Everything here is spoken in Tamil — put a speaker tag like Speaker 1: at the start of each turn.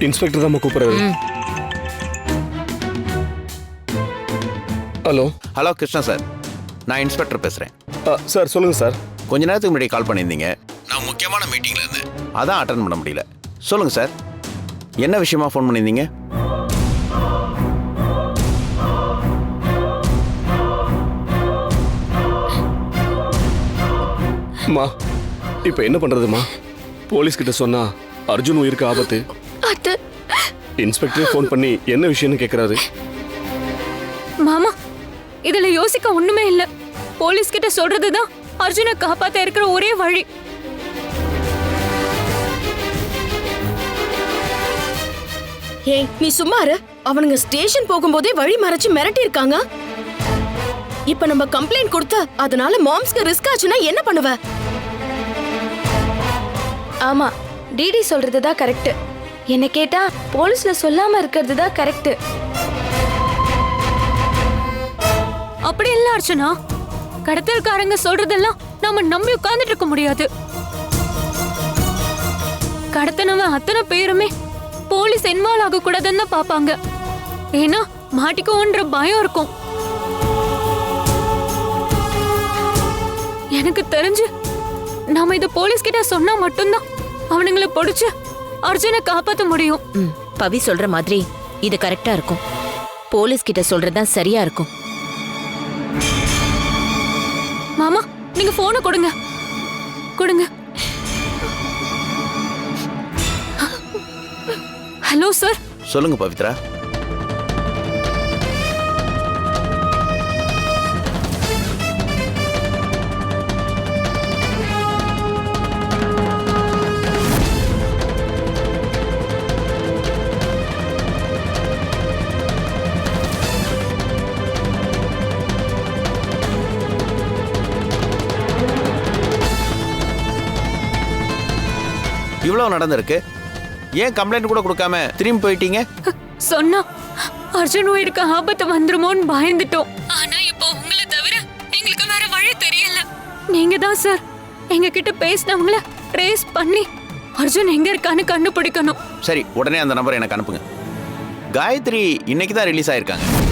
Speaker 1: இன்ஸ்பெக்டர் தான் கூப்பிடுறாரு. ஹலோ.
Speaker 2: ஹலோ கிருஷ்ணா சார், நான் இன்ஸ்பெக்டர் பேசுகிறேன்.
Speaker 1: சார் சொல்லுங்கள் சார்.
Speaker 2: கொஞ்ச நேரத்துக்கு முன்னாடி கால் பண்ணியிருந்தீங்க. நான் முக்கியமான மீட்டிங்கில் இருந்தேன், அதான் அட்டன் பண்ண முடியல. சொல்லுங்கள் சார், என்ன விஷயமா ஃபோன் பண்ணியிருந்தீங்க?
Speaker 1: அம்மா இப்போ என்ன பண்ணுறதுமா? போலீஸ் கிட்ட சொன்னா அர்ஜுன் உயிருக்கு ஆபத்து. இன்ஸ்பெக்டர் ஃபோன் பண்ணி என்ன விஷயம்னு கேட்குறாரு.
Speaker 3: மாமா, இதுல யோசிக்க ஒண்ணுமே இல்ல. போலீஸ் கிட்ட சொல்றதுதான் அர்ஜுனை காப்பாத்த இருக்கிற ஒரே வழி.
Speaker 4: ஏய், நீ சும்மா இரு. அவனுங்க ஸ்டேஷன் போகும்போதே வழி மறைச்சு மிரட்டி இருக்காங்க. இப்ப நம்ம கம்ப்ளைண்ட் கொடுத்து அதனால மாம்ஸ்க்கு ரிஸ்க் ஆச்சுன்னா என்ன பண்ணுவ?
Speaker 3: ஆமா, டிடி சொல்றதுதான் கரெக்ட். என்ன கேட்டா போலீஸ்ல சொல்லாம இருக்கிறது தான் கரெக்ட். அப்படி இல்ல அர்ச்சனா, கடத்தல்காரங்க சொல்றதெல்லாம் நாம நம்பி உட்கார்ந்துட்டு இருக்க முடியாது. கடத்தனவன் அத்தனை பேருமே போலீஸ் இன்வால்வ் ஆக கூடாதுன்னு பாப்பாங்க. ஏன்னா மாட்டிக்கோன்ற பயம் இருக்கும். எனக்கு தெரிஞ்சு நாம இத போலீஸ் கிட்ட சொன்னா மட்டும்தான் அவனுங்களை பிடிச்சு அர்ஜுனை காப்பாத்த முடியும்.
Speaker 5: பவி சொல்ற மாதிரி இது கரெக்டா இருக்கும். போலீஸ் கிட்ட சொல்றதுதான் சரியா இருக்கும்.
Speaker 3: மாமா, நீங்க போனை கொடுங்க. கொடுங்க. Hello sir.
Speaker 2: சொல்லுங்க பவித்ரா. இவ்வளவு நடந்திருக்கு, ஏன் கம்ப்ளைண்ட் கூட கொடுக்காம திரும்பி போயிட்டீங்க?
Speaker 3: சொன்னா அர்ஜுன் உயிருக்கு ஆபத்து வந்துருமோன்னு பயந்துட்டோம். ஆனா இப்போ உங்களை தவிர எங்களுக்கு வேற வழி தெரியல. நீங்க தான் சார் எங்க கிட்ட பேசினவங்கள ட்ரேஸ் பண்ணி அர்ஜுன் எங்க இருக்கான்னு கண்டுபிடிக்கணும்.
Speaker 2: சரி, உடனே அந்த நம்பரை எனக்கு அனுப்புங்க. காயத்ரி இன்னைக்கு தான் ரிலீஸ் ஆயிருக்காங்க.